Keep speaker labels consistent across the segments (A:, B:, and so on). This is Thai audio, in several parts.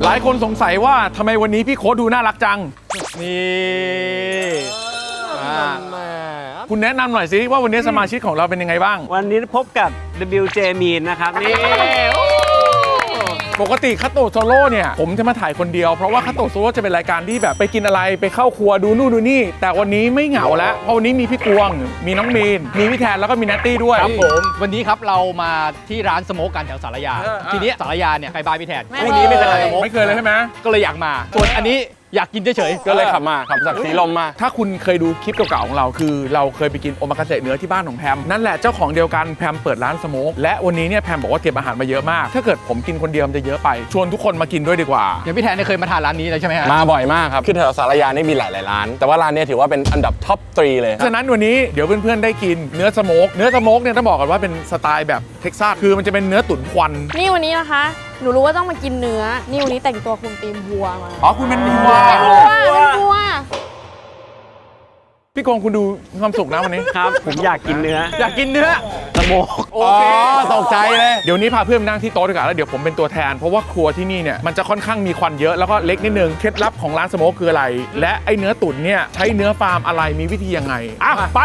A: หลายคนสงสัยว่าทำไมวันนี้พี่โค้ดดูน่ารักจังนี่คุณแนะนำหน่อยสิว่าวันนี้สมาชิกของเราเป็นยังไงบ้าง
B: วันนี้พบกับ WJ มีนนะครับนี่
A: ปกติคัตโตะโซโล่เนี่ยผมจะมาถ่ายคนเดียวเพราะว่าคัตโตะโซโล่จะเป็นรายการที่แบบไปกินอะไรไปเข้าครัวดูนู่นดูนี่แต่วันนี้ไม่เหงาแล้วเพราะวันนี้มีพี่กวงมีน้องมีนมีพี่แทนแล้วก็มีนัตตี้ด้วย
C: ครับผมวันนี้ครับเรามาที่ร้านสโมกกันแถวสารยาทีนี้สารยาเนี่ยใครบายพี่แทนวันนี้ไม่เคยทานสโมก
A: ไม่เคยเลยใช่ไหม
C: ก็เลยอยากมาส่วนอันนี้อยากกินเฉย
D: ๆก็เลยขับจากสีลมมา
A: ถ้าคุณเคยดูคลิปเก่าๆของเราคือเราเคยไปกินโอมากาเสะเนื้อที่บ้านของแพมนั่นแหละเจ้าของเดียวกันแพมเปิดร้านสโมกและวันนี้เนี่ยแพมบอกว่าเก็บอาหารมาเยอะมากถ้าเกิดผมกินคนเดียวมันจะเยอะไปชวนทุกคนมากินด้วยดีกว่า
C: อย่างพี่แทนเคยมาทานร้านนี้เลยใช่ไหมฮะ
D: มาบ่อยมากครับคือแถวสารยานี่มีหลายร้านแต่ว่าร้านนี้ถือว่าเป็นอันดับท็อป 3เลย
A: ฉะนั้นวันนี้เดี๋ยวเพื่อนๆได้กินเนื้อสโมกเนี่ยต้องบอกกันว่าเป็นสไตล์แบบเท็กซัสคือมันจะเป็นเนื้อตุ๋นควัน
E: นี่วันนี้นะคะหนูรู้ว่าต้องมากินเนื้อนี่วันนี้แต่งตัวคุมธีมวัวมา
A: อ๋อคุณเป็นวัวพี่กงคุณดูมีความสุขนะวันนี้
B: ครับผมอยากกินเนื้อ
C: สโมก
D: โอเคตกใจเลย
A: เดี๋ยวนี้พาเพื่อนนั่งที่โต๊ะดีกว่าแล้วเดี๋ยวผมเป็นตัวแทนเพราะว่าครัวที่นี่เนี่ยมันจะค่อนข้างมีควันเยอะแล้วก็เล็กนิดนึงเคล็ดลับของร้านสโมกคืออะไรและไอเนื้อตุ๋นเนี่ยใช้เนื้อฟาร์มอะไรมีวิธียังไงอ่ะไป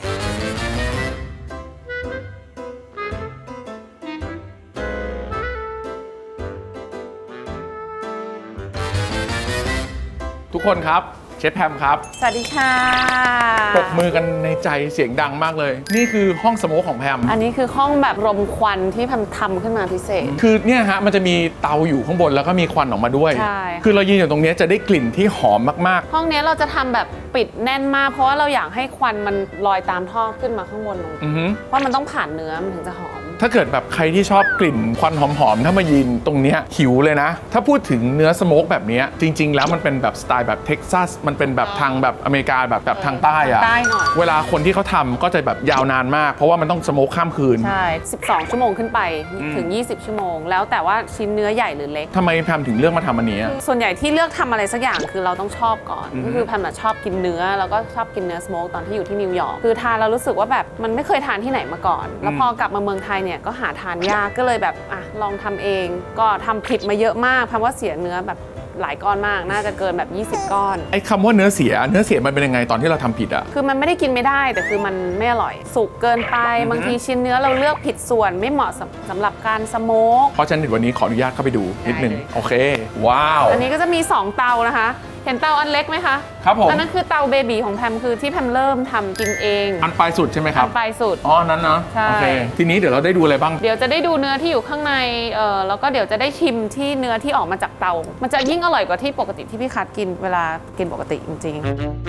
A: ทุกคนครับเชฟแพมครับ
E: สวัสดีค่ะ
A: ปรบมือกันในใจเสียงดังมากเลยนี่คือห้องสโมกของแพม
E: อันนี้คือห้องแบบรมควันที่แพมทำขึ้นมาพิเศษ
A: คือเนี่ยฮะมันจะมีเตาอยู่ข้างบนแล้วก็มีควันออกมาด้วย
E: ใช่
A: คือเรายืนอยู่ตรงนี้จะได้กลิ่นที่หอมมาก
E: ๆห้องนี้เราจะทำแบบปิดแน่นมากเพราะว่าเราอยากให้ควันมันลอยตามท่อขึ้นมาข้างบนลงเพราะมันต้องผ่านเนื้อมันถึงจะหอม
A: ถ้าเกิดแบบใครที่ชอบกลิ่นควันหอมๆถ้ามายืนตรงนี้หิวเลยนะถ้าพูดถึงเนื้อสโมกแบบนี้จริงๆแล้วมันเป็นแบบสไตล์แบบเท็กซัสมันเป็นแบบทางแบบอเมริกาแบบทางใต้อะเวลาคนที่เขาทำก็จะแบบยาวนานมากเพราะว่ามันต้องสโมกข้ามคืน
E: ใช่12 ชั่วโมงขึ้นไปถึง20 ชั่วโมงแล้วแต่ว่าชิ้นเนื้อใหญ่หรือเล็ก
A: ทำไมแพมถึงเลือกมาทำอันนี้
E: ส่วนใหญ่ที่เลือกทำอะไรสักอย่างคือเราต้องชอบก่อนก็คือแพมชอบกินเนื้อแล้วก็ชอบกินเนื้อสโมกตอนที่อยู่ที่นิวยอร์กคือทานเรารู้สึกว่าแบบมันไม่เคยทานที่ไหนมาก่อนแล้วพอกลับมาเมืองไทยเนี่ยก็หาทานยากก็เลยแบบลองทำเองก็ทำผิดมาเยอะมากแพมว่าเสียเนื้อแบบหลายก้อนมากน่าจะเกินแบบ20 ก้อน
A: ไอ้คำว่าเนื้อเสียมันเป็นยังไงตอนที่เราทำผิดอ่ะ
E: คือมันไม่ได้กินไม่ได้แต่คือมันไม่อร่อยสุกเกินไปบางทีชิ้นเนื้อเราเลือกผิดส่วนไม่เหมาะสำหรับการสโมก
A: เพราะฉะนั้นวันนี้ขออนุญาตเข้าไปดูนิดนึงโอเคว้าว
E: อันนี้ก็จะมี2เตานะคะเห็นเตาอันเล็กไหมคะ
A: ครับผม
E: อันนั้นคือเตาเบบีของแพมคือที่แพมเริ่มทำกินเอง
A: อันปลายสุดใช่ไหมครับ
E: อันปลายสุด
A: อ๋อนั้นนะ
E: ใช่
A: โอเคทีนี้เดี๋ยวเราได้ดูอะไรบ้าง
E: เดี๋ยวจะได้ดูเนื้อที่อยู่ข้างในแล้วก็เดี๋ยวจะได้ชิมที่เนื้อที่ออกมาจากเตามันจะยิ่งอร่อยกว่าที่ปกติที่พี่คัทกินเวลากินปกติจริงๆ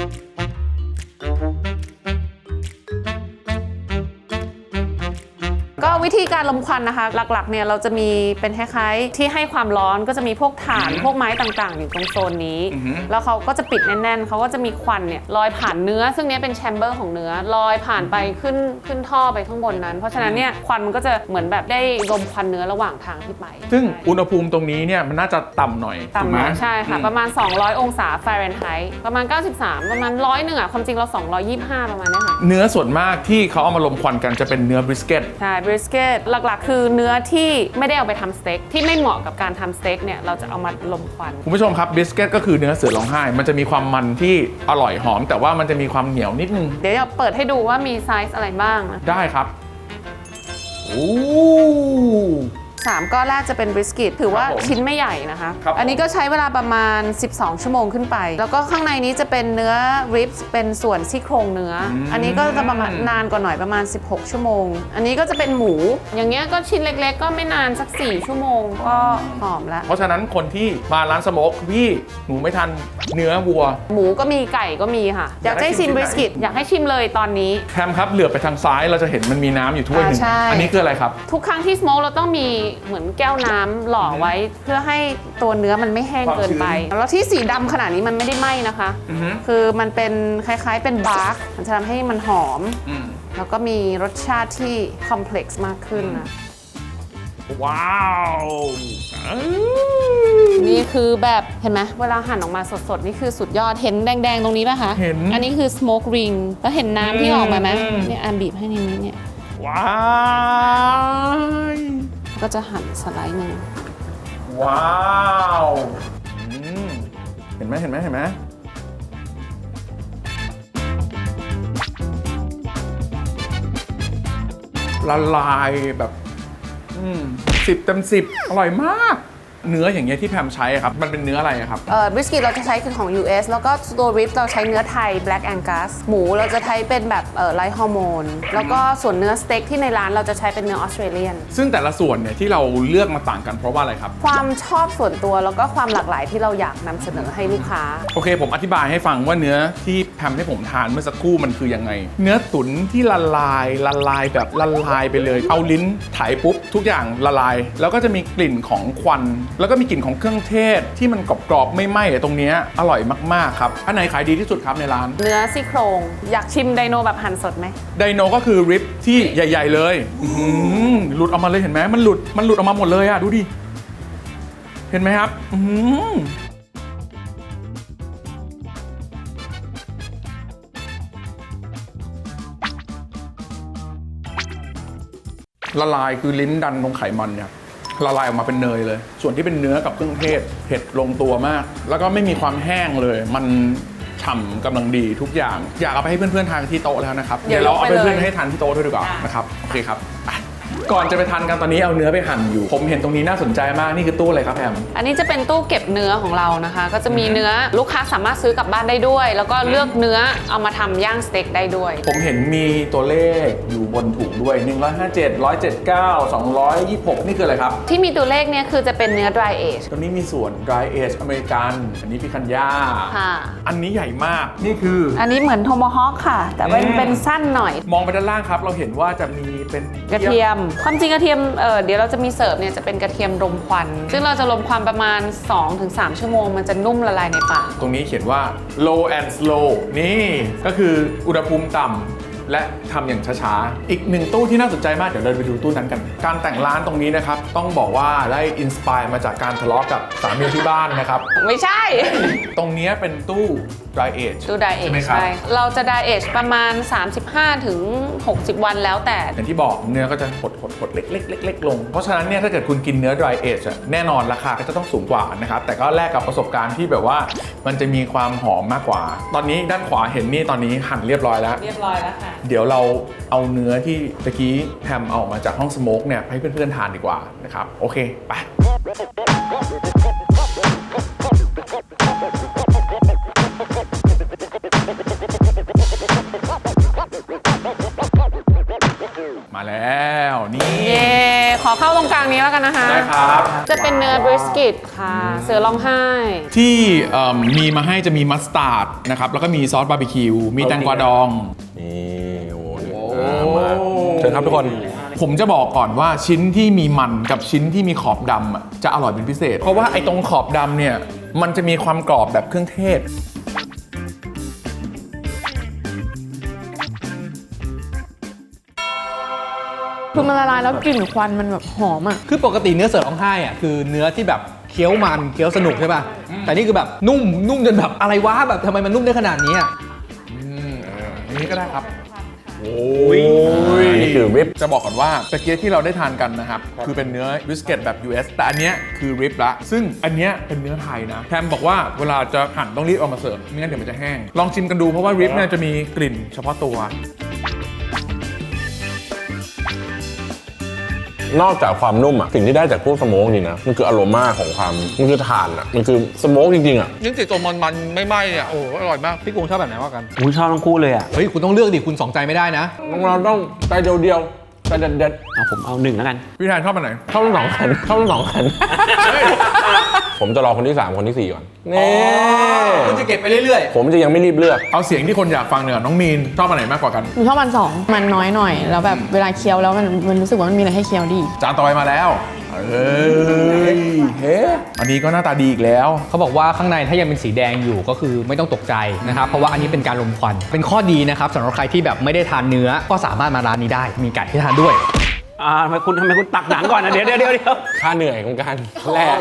E: ก็วิธีการลมควันนะคะหลักๆเนี่ยเราจะมีเป็นคล้ายๆที่ให้ความร้อนก็จะมีพวกถ่านพวกไม้ต่างๆอยู่ตรงโซนนี้แล้วเขาก็จะปิดแน่นๆเขาก็จะมีควันเนี่ยลอยผ่านเนื้อซึ่งนี้เป็นแชมเบอร์ของเนื้อลอยผ่านไปขึ้นท่อไปข้างบนนั้นเพราะฉะนั้นเนี่ยควันมันก็จะเหมือนแบบได้ลมควันเนื้อระหว่างทางที่ไป
A: ซึ่งอุณหภูมิตรงนี้เนี่ยมันน่าจะต่ำหน่อย
E: ต่ำหน่อยใช่ค่ะประมาณ200 องศาฟาเรนไฮต์ประมาณ93ประมาณ100นึงความจริงเรา225ประมาณนี้ค่ะ
A: เนื้อส่วนมากที่เขาเอามาลมควันกันจะเป็นเนื้อบริสเกต
E: ใช่บริสเกตหลักๆคือเนื้อที่ไม่ได้เอาไปทำสเต็กที่ไม่เหมาะกับการทำสเต็กเนี่ยเราจะเอามาลมควัน
A: คุณผู้ชมครับบริสเกตก็คือเนื้อเสือร้องไห้มันจะมีความมันที่อร่อยหอมแต่ว่ามันจะมีความเหนียวนิดนึง
E: เดี๋ยวเราเปิดให้ดูว่ามีไซส์อะไรบ้างนะ
A: ได้ครับโอ้
E: 3 ก้อนแรกจะเป็นบริสกิตถือว่าชิ้นไม่ใหญ่นะคะอันนี้ก็ใช้เวลาประมาณ12 ชั่วโมงขึ้นไปแล้วก็ข้างในนี้จะเป็นเนื้อริบส์เป็นส่วนซี่โครงเนื้ออันนี้ก็จะประมาณนานกว่าหน่อยประมาณ16 ชั่วโมงอันนี้ก็จะเป็นหมูอย่างเงี้ยก็ชิ้นเล็กๆก็ไม่นานสัก4 ชั่วโมงก็หอมแล้ว
A: เพราะฉะนั้นคนที่มาร้านสโมกพี่หนูไม่ทันเนื้อวัว
E: หมูก็มีไก่ก็มีค่ะอยากให้ชิมบริสกิตอยากให้ชิมเลยตอนนี้
A: แคมครับเหลือบไปทางซ้ายเราจะเห็นมันมีน้ำอยู่ถ้วยนึงอันนี้คืออะไรครับ
E: ทุกครั้งที่สโมกเราต้องมีเหมือนแก้วน้ำหล่อไว้เพื่อให้ตัวเนื้อมันไม่แห้งเกินไปแล้วที่สีดำขนาดนี้มันไม่ได้ไหม้นะคะคือมันเป็นคล้ายๆเป็นบาร์กมันจะทำให้มันหอมแล้วก็มีรสชาติที่คอมเพล็กซ์มากขึ้นนะ
A: ว้าว
E: นี่คือแบบเห็นไหมเวลาหั่นออกมาสดๆนี่คือสุดยอดเห็นแดงๆตรงนี้ป่ะคะ
A: เห็น
E: อันนี้คือ smoke ring แล้วเห็นน้ำที่ออกมาไหมเนี่ยบีบให้นิดนี้เนี่ย
A: ว้าว
E: ก็จะหั่นสไลด์หนึ่ง
A: ว้าวเห็นไหมละลายแบบ10 เต็ม 10อร่อยมากเนื้ออย่างเงี้ยที่แพมใช้ครับมันเป็นเนื้ออะไรครับ
E: บริสกิตเราจะใช้คือของ US แล้วก็ตัวริบเราใช้เนื้อไทย Black Angus หมูเราจะใช้เป็นแบบไร้ฮอร์โมนแล้วก็ส่วนเนื้อสเต็กที่ในร้านเราจะใช้เป็นเนื้อออสเตรเลียน
A: ซึ่งแต่ละส่วนเนี่ยที่เราเลือกมาต่างกันเพราะว่าอะไรครับ
E: ความชอบส่วนตัวแล้วก็ความหลากหลายที่เราอยากนำเสนอให้ลูกค้า
A: โอเคผมอธิบายให้ฟังว่าเนื้อที่แพมให้ผมทานเมื่อสักครู่มันคือยังไงเนื้อตุ๋นที่ละลายแบบละลายไปเลยเอาลิ้นไถปุ๊บทุกอย่างละลายแล้วก็จะมีกลิ่นของควันแล้วก็มีกลิ่นของเครื่องเทศที่มันกรอบๆไม่ไหม้ตรงนี้อร่อยมากๆครับอันไหนขายดีที่สุดครับในร้าน
E: เนื้อซี่โครงอยากชิมไดโนแบบหั่นสดไหม
A: ไดโนก็คือริบที่ใหญ่ๆเลยหลุดออกมาเลยเห็นไหมมันหลุดออกมาหมดเลยอ่ะดูดิเห็นไหมครับละลายคือลิ้นดันตรงไขมันเนี่ยละลายออกมาเป็นเนยเลยส่วนที่เป็นเนื้อกับเครื่องเทศเผ็ดลงตัวมากแล้วก็ไม่มีความแห้งเลยมันฉ่ำกำลังดีทุกอย่างอยากเอาไปให้เพื่อนๆทานที่โต๊ะแล้วนะครับเดี๋ยวเราเอาไปเพื่อนให้ทานที่โต๊ะด้วยดีกว่านะครับโอเคครับก่อนจะไปทานกันตอนนี้เอาเนื้อไปหั่นอยู่ผมเห็นตรงนี้น่าสนใจมากนี่คือตู้อะไรครับแพม
E: อันนี้จะเป็นตู้เก็บเนื้อของเรานะคะก็จะมีเนื้อลูกค้าสามารถซื้อกลับบ้านได้ด้วยแล้วก็เลือกเนื้อเอามาทำย่างสเต็กได้ด้วย
A: ผมเห็นมีตัวเลขอยู่บนถุงด้วย157 179 226นี่คืออะไรครับ
E: ที่มีตัวเลขเนี่ยคือจะเป็นเนื้อ dry age
A: ตรงนี้มีส่วน dry age อเมริกันอันนี้พิคันย่าอันนี้ใหญ่มากนี่คือ
E: อันนี้เหมือนโทโมฮอคค่ะแต่เป็นสั้นหน่อย
A: มองไปด้านล่างครับเราเห็นว่าจะมีเป็น
E: กระเทียมความจริงกระเทียมเดี๋ยวเราจะมีเสิร์ฟเนี่ยจะเป็นกระเทียมรมควันซึ่งเราจะรมควันประมาณ 2-3 ชั่วโมงมันจะนุ่มละลายในปาก
A: ตรงนี้เขียนว่า low and slow นี่ก็คืออุณหภูมิต่ำและทำอย่างช้าๆอีกหนึ่งตู้ที่น่าสนใจมากเดี๋ยวเราไปดูตู้นั้นกันการแต่งร้านตรงนี้นะครับต้องบอกว่าได้อินสปายมาจากการทะเลาะกับสามีที่บ้านนะครับ
E: ไม่ใช่
A: ตรงนี้เป็นตู้ dry age
E: ตู้ dry age ใช่เราจะ dry age ประมาณ 35-60 วันแล้วแต่
A: อย่างที่บอกเนื้อก็จะหดเล็กๆลงเพราะฉะนั้นเนี่ยถ้าเกิดคุณกินเนื้อ dry age แน่นอนราคาก็จะต้องสูงกว่านะครับแต่ก็แลกกับประสบการณ์ที่แบบว่ามันจะมีความหอมมากกว่าตอนนี้ด้านขวาเห็นนี่ตอนนี้หั่นเรียบร้อยแล้วค่ะเดี๋ยวเราเอาเนื้อที่ตะกี้แพมเอามาจากห้องสโมกเนี่ยให้เพื่อนๆทานดีกว่านะครับโอเคไปมาแล้วนี่
E: ขอเข้าตรงกลางนี้แล้วกันนะคะ
A: ได้ครับ
E: จะเป็นเนื้อบริสกิตค่ะเสือร้องไห้
A: ที่มีมาให้จะมีมัสตาร์ดนะครับแล้วก็มีซอสบาร์บีคิวมีแตงกวาดอง
D: นี่โอ้มาเชิญครับทุกคน
A: ผมจะบอกก่อนว่าชิ้นที่มีมันกับชิ้นที่มีขอบดำจะอร่อยเป็นพิเศษเพราะว่าไอ้ตรงขอบดำเนี่ยมันจะมีความกรอบแบบเครื่องเทศ
E: คือมันละลายแล้วกลิ่นควันมันแบบหอมอ่ะ
C: คือปกติเนื้อเสือร้องไห้อ่ะคือเนื้อที่แบบเคี้ยวมันเคี้ยวสนุกใช่ป่ะแต่นี่คือแบบนุ่มจนแบบอะไรวะแบบทำไมมันนุ่มได้ขนาดนี้อ่ะ
A: อันนี้ก็ได้ครับ
D: โอ้ยนี่คือริบ
A: จะบอกก่อนว่าตะเกียบที่เราได้ทานกันนะครับคือเป็นเนื้อบิสกิตแบบ US แต่อันเนี้ยคือริบละซึ่งอันเนี้ยเป็นเนื้อไทยนะแพมบอกว่าเวลาจะหั่นต้องรีบเอามาเสิร์ฟไม่งั้นเดี๋ยวมันจะแห้งลองชิมกันดูเพราะว่าริบเนี่ยจะมีกลิ่นเฉพาะตั
D: วนอกจากความนุ่มอ่ะสิ่งที่ได้จากพวกสโมกนี่นะมันคืออโรมาของความมันคือถ่านอ่ะมันคือสโมกจริงๆอ่ะ
A: ยิ่งติดตัวมันไม่ไหม้เนี่ยโอ้อร่อยมาก
C: พี่กุ้งชอบแบบไหนว่ากัน
B: ชอบทั้งคู่เลยอ่ะ
C: เฮ้ยคุณต้องเลือกดิคุณสองใจไม่ได้นะ
D: เราต้องใจเดียวใจเด็ด
B: ผมเอา1แล้วกัน
A: พี่แทนชอบแบบไหน
D: ชอบทั้ง2 คันผมจะรอคนที่3คนที่4ก่อนนี่
C: คุณจะเก็บไปเรื่อย
D: ๆผมจะยังไม่รีบเลือก
A: เอาเสียงที่คนอยากฟังเนี่ยน้องมีนชอบอันไหนมากกว่ากัน
E: ผมชอบอัน2มันน้อยหน่อยแล้วแบบเวลาเคี้ยวแล้วมันรู้สึกว่ามันมีอะไรให้เคี้ยวดี
A: จานต่อไปมาแล้วอันนี้ก็หน้าตาดีอีกแล้ว
C: เขาบอกว่าข้างในถ้ายังเป็นสีแดงอยู่ก็คือไม่ต้องตกใจนะครับเพราะว่าอันนี้เป็นการลมควันเป็นข้อดีนะครับสำหรับใครที่แบบไม่ได้ทานเนื้อก็สามารถมาร้านนี้ได้มีไก่ให้ทานด้วย
B: ทำไมคุณตักหนังก่อนนะเดี๋ยว
D: ค่าเหนื่อยของการแลก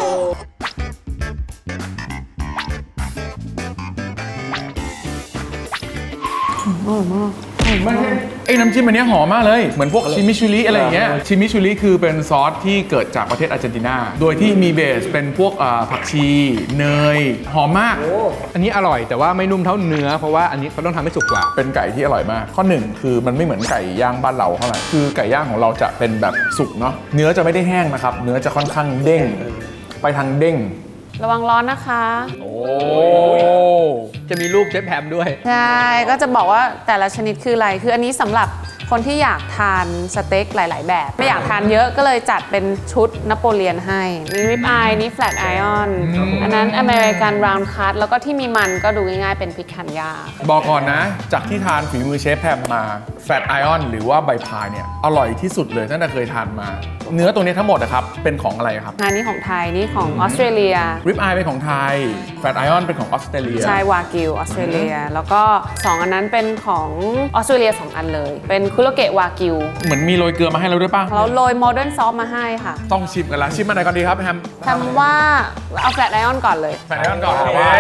A: ไม่ใช่ไอ้น้ำจิ้มอันเนี้ยหอมมากเลยเหมือนพวกชิมิชูริอะไรอย่างเงี้ยชิมิชูริคือเป็นซอสที่เกิดจากประเทศอาร์เจนตินาโดยที่มีเบสเป็นพวกผักชีเนยหอมมาก
C: อันนี้อร่อยแต่ว่าไม่นุ่มเท่าเนื้อเพราะว่าอันนี้เขาต้องทำให้สุกกว่า
A: เป็นไก่ที่อร่อยมากข้อหนึ่งคือมันไม่เหมือนไก่ย่างบ้านเราเท่าไหร่คือไก่ย่างของเราจะเป็นแบบสุกเนาะเนื้อจะไม่ได้แห้งนะครับเนื้อจะค่อนข้างเด้งไปทางเด้ง
E: ระวังร้อนนะคะ
A: โอ้
C: จะมีรูปเชฟแพมด้วย
E: ใช่ ก็จะบอกว่าแต่ละชนิดคืออะไร คืออันนี้สำหรับคนที่อยากทานสเต็กหลาย ๆ แบบ ไม่อยากทานเยอะก็เลยจัดเป็นชุดนโปเลียนให้ มีริบอายนี่แฟลตไอออนอันนั้นอเมริกันราวน์คัตแล้วก็ที่มีมันก็ดูง่าย ๆ เป็นพิคันยา
A: บอกก่อนนะจากที่ทานฝีมือเชฟแพมมาแฟตไอออนหรือว่าใบพายเนี่ยอร่อยที่สุดเลยตั้งแต่เคยทานมา เนื้อตัวนี้ทั้งหมดนะครับเป็นของอะไรครับ
E: อันนี้ของไทย นี่ของออสเตรเลีย
A: ริบอายเป็นของไทยแฟตไอออนเป็นของออสเตรเลีย
E: ใช่วากิวออสเตรเลีย แล้วก็ 2 อันนั้นเป็นของออสเตรเลีย 2 อันเลย เป็นคุโรเกะวากิว
A: เหมือนมีโรยเกลือมาให้เราด้วยป่ะ
E: เราโรยโมเดิร์นซอสมาให้ค่ะ
A: ต้องชิมกันละชิมมาไหนก่อนดีครับแฮม
E: ทำว่าเอาแฟลตไอออนก่อนเลย
A: แฟตไอออนก่อนโอเค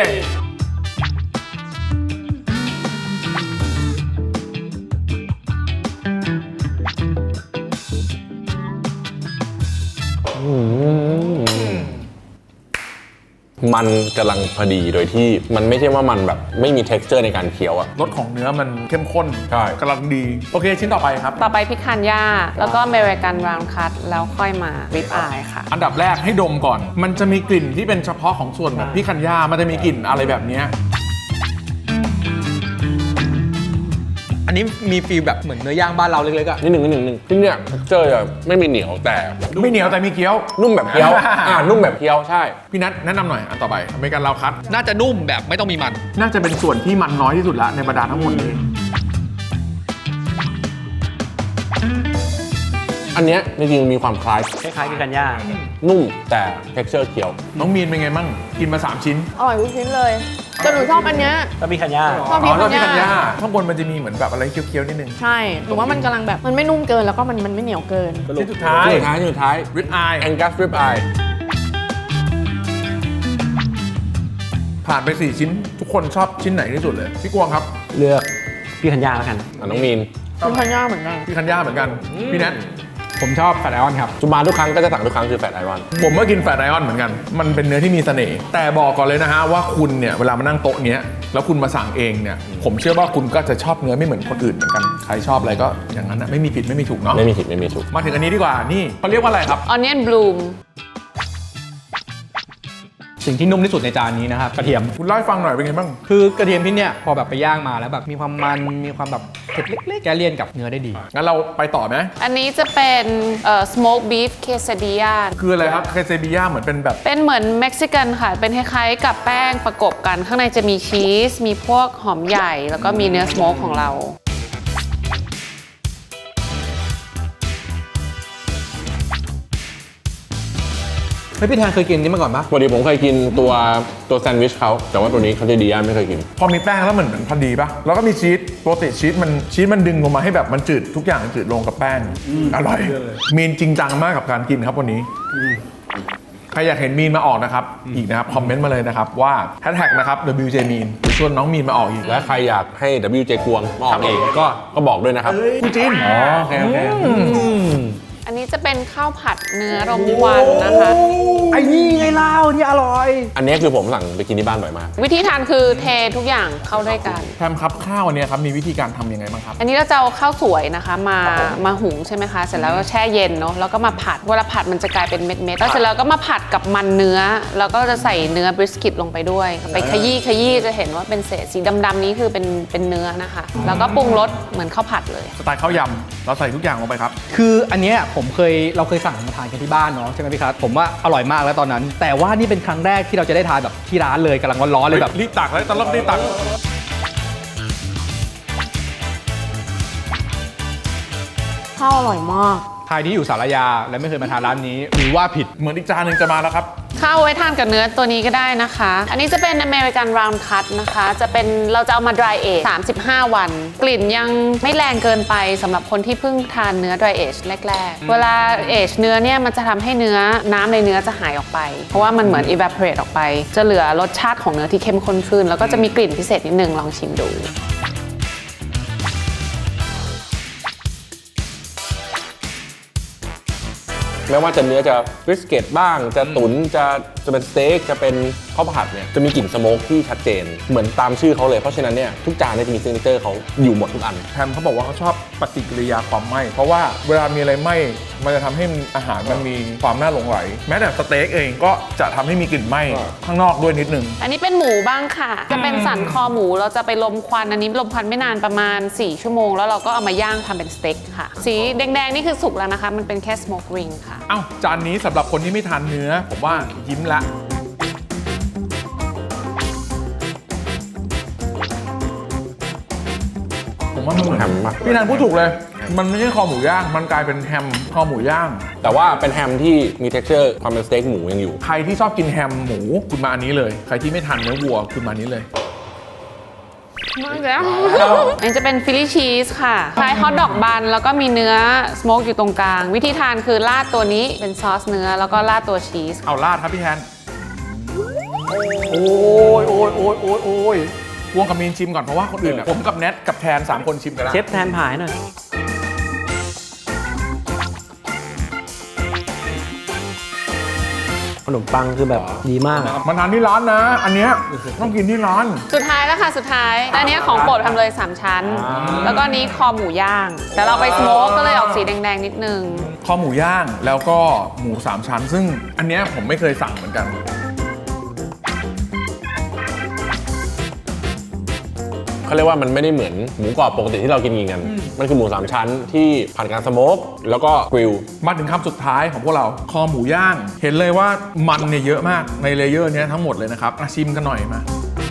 D: มันกำลังพอดีโดยที่มันไม่ใช่ว่ามันแบบไม่มี texture ในการเคี้ยวอะ
A: รสของเนื้อมันเข้มข้น
D: ใช่
A: กำลังดีโอเคชิ้นต่อไปครับ
E: ต่อไปพิคันย่าแล้วก็อเมริกันราวน์คัตแล้วค่อยมาริบอายค่ะ
A: อันดับแรกให้ดมก่อน มันจะมีกลิ่นที่เป็นเฉพาะของส่วนแบบพี่คันย่ามันจะมีกลิ่นอะไรแบบเนี้ย
C: อันนี้มีฟีลแบบเหมือนเนื้อย่างบ้านเราเล็กๆอะ
D: นิดหนึ่งที่เนี่ย texture จะไม่มีเหนียวแต่
A: ไม่เหนียวแต่มีเกี๊ยว
D: นุ่มแบบเคี้ยว นุ่มแบบเคี้ยวใช่
A: พี่นัทแนะนำหน่อยอันต่อไปอเมริกันลาวคัต
C: น่าจะนุ่มแบบไม่ต้องมีมัน
A: น่าจะเป็นส่วนที่มันน้อยที่สุดละในบรรดาทั้งหมดนี้
D: อันเนี้ยจริงๆมีความคล้าย
B: คล้ายๆพิคันย่า
D: นุ่มแต่ texture เคี้ยว
A: น้องมีนเป็นไงมั่งกินมา 3 ชิ้น
E: อร่อยทุกชิ้นเลยแต่หนูชอบอันเนี้ย
B: ก็พิคันย่า
E: ชอบ
A: อ๋อแล้ว
E: พิ
A: พี่
E: คั
A: คั
E: น
A: น
E: ย่า
A: ย่าข้างบนมันจะมีเหมือนแบบอะไรเคี้ยวๆนิดนึง
F: ใช่หนูว่ามันกำลังแบบมันไม่นุ่มเกินแล้วก็มันไม่เหนียวเกิน
A: ชิ้นสุดท้าย
D: ชิ้นสุดท้าย
A: ริบอาย
D: Angus rib eye
A: ผ่านไป 4 ชิ้น ทุกคนชอบชิ้นไหนที่สุดเลยพี่กวางครับ
B: เลือกพิคันย่าแล้วกัน
D: น้องมีน
F: เป็นพันย่าเหมือนกัน
A: พี่คันย่าเหมือนกันพี่แนท
C: ผมชอบแฟตไอออนครับ
D: จุมาทุกครั้งก็จะสั่งทุกครั้งคือแฟตไอรอน
A: ผมก็กินแฟตไอออนเหมือนกัน มันเป็นเนื้อที่มีเสน่ห์แต่บอกก่อนเลยนะฮะว่าคุณเนี่ยเวลามานั่งโต๊ะเนี้ยแล้วคุณมาสั่งเองเนี่ยผมเชื่อว่าคุณก็จะชอบเนื้อไม่เหมือนคนอื่นเหมือนกันใครชอบอะไรก็อย่างนั้นนะไม่มีผิดไม่มีถูกเนาะ
D: ไม่มีผิดไม่มีถูก
A: มาถึงอันนี้ดีกว่านี่เขาเรียกว่าอะไรครับ
E: ออนเนียนบลูม
C: สิ่งที่นุ่มที่สุดในจานนี้นะครับกระเทียม
A: คุณเล่าให้ฟังหน่อยเป็นไงบ้าง
C: คือกระเทียมที่เนี่ยพอแบบไปย่างมาแล้วแบบมีความมันมีความแบบเผ็ดเล็กๆแกเลี่ยนกับเนื้อได้ดี
A: งั้นเราไปต่อไหม
E: อันนี้จะเป็นsmoke beef quesadilla
A: คืออะไรครับเคเซบิยาเหมือนเป็นแบบ
E: เป็นเหมือนเม็กซิกันค่ะ เป็นคล้ายๆกับแป้งประกบกัน ข้างในจะมีชีส มีพวกหอมใหญ่ แล้วก็มีเนื้อสโมกของเรา
C: เฮ้ยพี่แทนเคยกินนี้มาก่อนปะ
D: ปกติผมเคยกินตัวแซนด์วิชเขาแต่ว่าตัวนี้เขาจะดีย่าไม่เคยกิน
A: พอมีแป้งแล้วเหมือนพอดีปะแล้วก็มีชีสปกติชีสมันดึงลงมาให้แบบมันจืดทุกอย่างจืดลงกับแป้งอร่อย มีนจริงจังมากกับการกินครับวันนี้ใครอยากเห็นมีนมาออกนะครับอีกนะครับคอมเมนต์มาเลยนะครับว่าแฮชแท็กนะครับ WJ มีนชวนน้องมีนมาออกอีก
D: และใครอยากให้ WJ กวงมาออกเองก็บอกด้วยนะครับ
A: คุณจินอ๋อโอเคโอเค
E: อันนี้จะเป็นข้าวผัดเนื้อรมควันนะคะ
C: ไอ้นี่ไงเล่าที่อร่อย
D: อันนี้คือผมสั่งไปกินที่บ้านบ่อยมาก
E: วิธีทานคือเททุกอย่างเข้าด้วยกัน
A: แพมครับข้าวอันเนี้ยครับมีวิธีการทำยังไงบ้างครับ
E: อันนี้เราจะเอาข้าวสวยนะคะมาหุงใช่ไหมคะ เสร็จแล้วก็แช่เย็นเนาะแล้วก็มาผัดเวลาผัดมันจะกลายเป็นเม็ดๆแล้วเสร็จแล้วก็มาผัดกับมันเนื้อแล้วก็จะใส่เนื้อบริสกิตลงไปด้วย ไปขยี้จะเห็นว่าเป็นเศษสีดำๆนี้คือเป็นเนื้อนะคะ แล้วก็ปรุงรสเหมือนข้าวผัดเลย
A: สไตล์ข้าวยำเราใส่ทุกอย่างลงไปครับ
C: คืออันเนี้ยเราเคยสั่งมาทานกันที่บ้านเนาะใช่ไหมพี่ครับผมว่าอร่อยมากแล้วตอนนั้น แต่ว่านี่เป็นครั้งแรกที่เราจะได้ทานแบบที่ร้านเลยกำลังร้อนๆเลยแบบ
A: รีบตักเลยตอนรอบรีบตัก
F: ข้าวอร่อยมาก
C: ใครที่อยู่สารยาและไม่เคยมาทานร้านนี้หรือว่าผิด
A: เหมือนอีกจานหนึ่งจะมาแล้วครับ
E: ข้าวไว้ทานกับเนื้อตัวนี้ก็ได้นะคะ อันนี้จะเป็น American Round Cut นะคะ เราจะเอามา dry age 35 วัน กลิ่นยังไม่แรงเกินไปสำหรับคนที่เพิ่งทานเนื้อ dry age แรกๆ เวลา age เนื้อเนี่ยมันจะทำให้น้ำในเนื้อจะหายออกไป เพราะว่ามันเหมือน evaporate ออกไป จะเหลือรสชาติของเนื้อที่เข้มข้นขึ้น แล้วก็จะมีกลิ่นพิเศษนิดนึงลองชิมดู
D: ไม่ว่าจะเนื้อจะบริสเกตบ้างจะตุ๋นจะเป็นสเต็กจะเป็นข้าวผัดเนี่ยจะมีกลิ่นสโมกที่ชัดเจนเหมือนตามชื่อเขาเลยเพราะฉะนั้นเนี่ยทุกจานเนี่ยจะมีซิกเนเจอร์เขาอยู่หมดทุกอัน
A: แฮมเขาบอกว่าเขาชอบปฏิกิริยาความไหม้เพราะว่าเวลามีอะไรไหม้มันจะทำให้อาหารมันมีความน่าหลงไหลแม้แต่สเต็กเองก็จะทำให้มีกลิ่นไหม้ข้างนอกด้วยนิดนึง
E: อันนี้เป็นหมูบ้างค่ะ จะเป็นสันคอหมูเราจะไปลมควันอันนี้ลมควันไม่นานประมาณ4 ชั่วโมงแล้วเราก็เอามาย่างทำเป็นสเต็กค่ะสีแดงๆนี่คือสุกแล้วนะคะมันเป็นแค่ smoke ring ค่ะ
A: เอ้าจานนี้สำหรับคนที่ไม่ทานเนื้อผมว่ายิ้มละผมว่ามันเหมือน
D: แฮมมาก
A: พี่นันพูดถูกเลย มันไม่ใช่คอหมูย่างมันกลายเป็นแฮมคอหมูย่าง
D: แต่ว่าเป็นแฮมที่มี texture ความเป็นสเต็กหมูยังอยู่
A: ใครที่ชอบกินแฮมหมูคุณมาอันนี้เลยใครที่ไม่ทานเนื้อวัวคุณมาอันนี้เลย
E: มากแล้วอันนี้จะเป็นฟิลลี่ชีสค่ะคล้ายฮอทดอกบันแล้วก็มีเนื้อสโมกอยู่ตรงกลาง วิธีทานคือราดตัวนี้เป็นซอสเนื้อแล้วก็ราดตัวชีส
A: เอาราดครับพี่แทนโอ้ยพวงกับมีนชิมก่อนเพราะว่าคนอื่นอะผมกับแนทกับแทน3 คนชิมกันแล้ว
B: เชฟแทนผายหน่อยขนมปังคือแบบดีมาก
A: มาทานที่ร้านนะ อันเนี้ยต้องกินที่ร้าน
E: สุดท้ายแล้วค่ะสุดท้ายอันนี้ของโปรดทำเลย3 ชั้น แล้วก็นี้คอหมูย่าง แต่เราไปสโมกก็เลยออกสีแดงๆนิดนึง
A: คอหมูย่างแล้วก็หมู3 ชั้น ซึ่งอันเนี้ยผมไม่เคยสั่งเหมือนกัน
D: เขาเรียกว่ามันไม่ได้เหมือนหมูกรอบปกติที่เรากินกัน มันคือหมู3 ชั้นที่ผ่านการสโมกแล้วก็กริล
A: มาถึงคำสุดท้ายของพวกเราคอหมูย่าง เห็นเลยว่ามันเนี่ยเยอะมากในเลเยอร์เนี้ยทั้งหมดเลยนะครับชิมกันหน่อยมา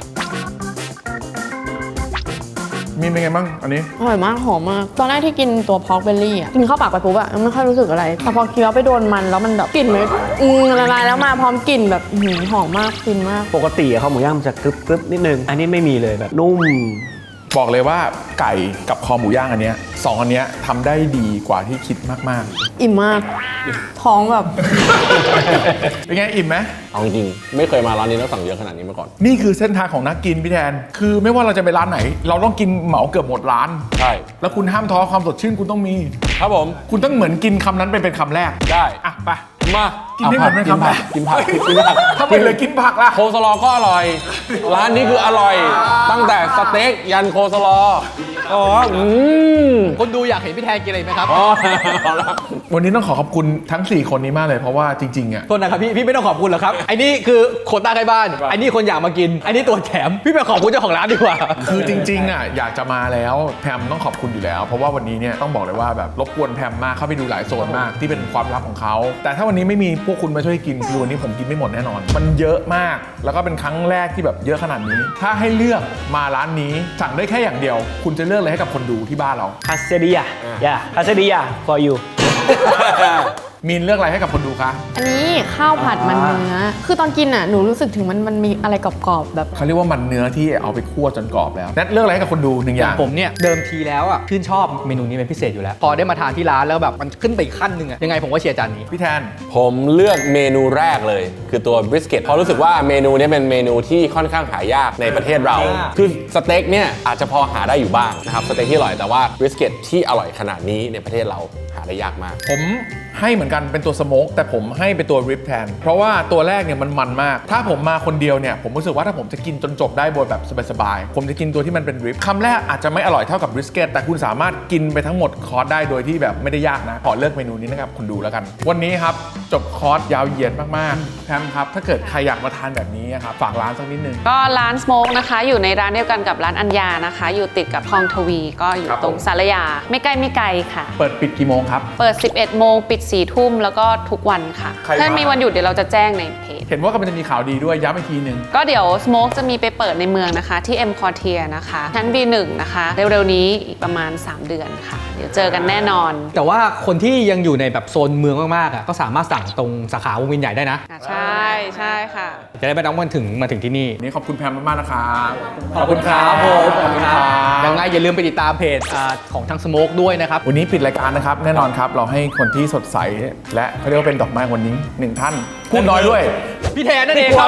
A: มีเป็นไงบ้างอันนี้
F: อร่อยมากหอมมาก ตอนแรกที่กินตัวพอกเบลลี่อ่ะ กินเข้าปากไปปุ๊บอ่ะไม่ค่อยรู้สึกอะไร แต่พอเคี้ยวไปโดนมันแล้วมันแบบกลิ่นมันละลายแล้วมาพร้อมกลิ่นแบบหอมมากฟินมาก
B: ปกติข้าวหมูย่างมันจะกรึบๆนิดนึง อันนี้ไม่มีเลยแบบนุ่ม
A: บอกเลยว่าไก่กับคอหมูย่างอันเนี้ย2 อันเนี้ยทำได้ดีกว่าที่คิดมาก
F: อิ่มมาก ท้องแบบ
A: ๆ เป็นไงอิ่มไหม
D: เอาจริงๆไม่เคยมาร้านนี้แล้วสั่งเยอะขนาดนี้มาก่อน
A: นี่คือเส้นทางของนักกินพี่แทน คือไม่ว่าเราจะไปร้านไหน เราต้องกินเหมาเกือบหมดร้าน
D: ใช่
A: แล้วคุณห้ามท้อความสดชื่นคุณต้องมี
D: ครับผม
A: คุณต้องเหมือนกินคำนั้นเป็นคำแรก
D: ได้
A: อ่ะไป
D: มา
A: กินได้เหมือนเป็นคำแรก
D: กินผักกินผัก
A: ทำไมเลยกินผักล่ะ
D: โคสลอก็อร่อย ร้านนี้คืออร่อย ตั้งแต่สเต็กยันโคสลออ๋อ
C: คนดูอยากเห็นพี่แทนกินอะไรไหมครับ
D: อ๋อเอาละ
A: วันนี้ต้องขอขอบคุณทั้ง 4 คนนี้มากเลยเพราะว่าจริงๆอ่ะ
C: โทษนะครับพี่ไม่ต้องขอบคุณหรอกครับไอ้นี่คือโควต้าใกล้บ้านไอ้นี่คนอยากมากินไอ้นี่ตัวแถมพี่ไปขอบคุณเจ้าของร้านดีกว่า
A: คือจริงๆอ่ะอยากจะมาแล้วแพมต้องขอบคุณอยู่แล้ว เพราะว่าวันนี้เนี่ยต้องบอกเลยว่าแบบรบกวนแพมมากเข้าไปดูหลายโซนมากที่เป็นความลับของเขาแต่ถ้าวันนี้ไม่มีพวกคุณมาช่วยกินคือวันนี้ผมกินไม่หมดแน่นอน มันเยอะมากแล้วก็เป็นครั้งแรกที่แบบเยอะขนาดนี้ ถ้าให้เลือกมาร้านนี้สั่งได้แค่อย่างเดียว คุณจะเลือกอะไรให้กับคนดูที่บ้านเรา
B: คาเซเดียคาเซเดีย for you
A: มีนเลือกอะไรให้กับคนดูคะ
F: อันนี้ข้าวผัดมันเนื้อ คือตอนกินอ่ะหนูรู้สึกถึงมันมีอะไรกรอบๆแบบ
A: เขาเรียกว่ามันเนื้อที่เอาไปคั่วจนกรอบแล้วแนทเลือกอะไรให้กับคนดู1 อย่าง
C: ผมเนี่ยเดิมทีแล้วอ่ะชื่นชอบเมนูนี้เป็นพิเศษอยู่แล้ว พอได้มาทานที่ร้านแล้วแบบมันขึ้นไปอีกขั้นหนึ่งอ่ะยังไงผมก็เชียร์จานนี้
A: พี่แทน
D: ผมเลือกเมนูแรกเลย คือตัวบริสเกตเพราะรู้สึกว่าเมนูนี้เป็นเมนูที่ค่อนข้างหายากในประเทศเรา คือสเต็กเนี่ยอาจจะพอหาได้อยู่บ้างนะครับสเต็กที่อร่อยแต่ว่าบริสเกตที่อร่อยขนาดนี้ในประเทศเราหาได้ยากมาก
A: ผมให้เหมือนกันเป็นตัวสโมกแต่ผมให้เป็นตัวริบแทนเพราะว่าตัวแรกเนี่ยมันมากถ้าผมมาคนเดียวเนี่ยผมรู้สึกว่าถ้าผมจะกินจนจบได้โดยแบบสบายๆผมจะกินตัวที่มันเป็นริบคำแรกอาจจะไม่อร่อยเท่ากับบริสเกตแต่คุณสามารถกินไปทั้งหมดคอร์สได้โดยที่แบบไม่ได้ยากนะขอเลือกเมนูนี้นะครับคุณดูแล้วกันวันนี้ครับจบคอร์สยาวเหยียดมากๆแพมครับถ้าเกิดใครอยากมาทานแบบนี้ครับฝากร้านสักนิดนึง
E: ก็ร้านสโมกนะคะอยู่ในร้านเดียวกันกับร้านอัญญานะคะ อยู่ติดกับคลองทวีก็อยู่
A: ครับ
E: ตรงสารยาไม่ไกลค่ะ
A: เปิดปิดกี่โมงครับ
E: เปิด 11 โมงปิด 4 ทุ่มแล้วก็ทุกวันค่ะ
A: ใคร
E: ถ้า
A: มามี
E: มีวันหยุดเดี๋ยวเราจะแจ้งในเพจ
A: เห็นว่ากำลังจะมีข่าวดีด้วยย้ำอีกทีหนึ่ง
E: ก็เดี๋ยวสโมกจะมีไปเปิดในเมืองนะคะที่ M Quartier นะคะชั้น B1 นะคะเร็วๆนี้อีกประมาณ 3 เดือนค่ะ เดี๋ยวเจอกันแน่นอน
C: แต่ว่าคนที่ยังอยู่ในแบบโซนเมืองมากๆอ่ะก็สามารถสั่งตรงสาขาวงเวียนใหญ่ได้นะ
E: ใช่ค่ะ
C: จะได้ไม่ต้องมาถึงที่นี่
A: วันนี้ขอบคุณแพมมากๆนะครับ
C: ขอบคุณครับผมขอบคุณครับยังไงอย่าลืมไปติดตามเพจของทางสโมกด้วยนะครับ
A: วันนี้ปิดรายการนะครับแน่นอนครับเราให้คนที่สดใสและเขาเรียกว่าเป็นดอกไม้วันนี้1 ท่านพูดน้อยด้วย
C: พี่แทนนั่นเองครับ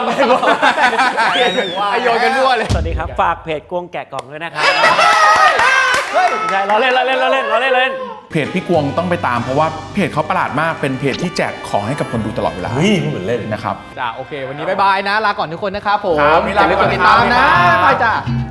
C: โยนกันรั่วเลย
B: สวัสดีครับ ฝากเพจกวงแกะกล่องด้วยนะครับไม่ใช่เราเล่น
A: เพจพี่กวงต้องไปตามเพราะว่าเพจเขาประหลาดมากเป็นเพจที่แจกของให้กับคนดูตลอดเวลา
D: เฮ้ยเหมือนเล่น
A: นะครับ
C: จ้าโอเค วันนี้บ๊ายบายนะ ลาก่อนทุกคนนะครับผม
A: ครับ
C: อย่าลืมกดติดตามนะ
A: ครับ
C: บายจ้า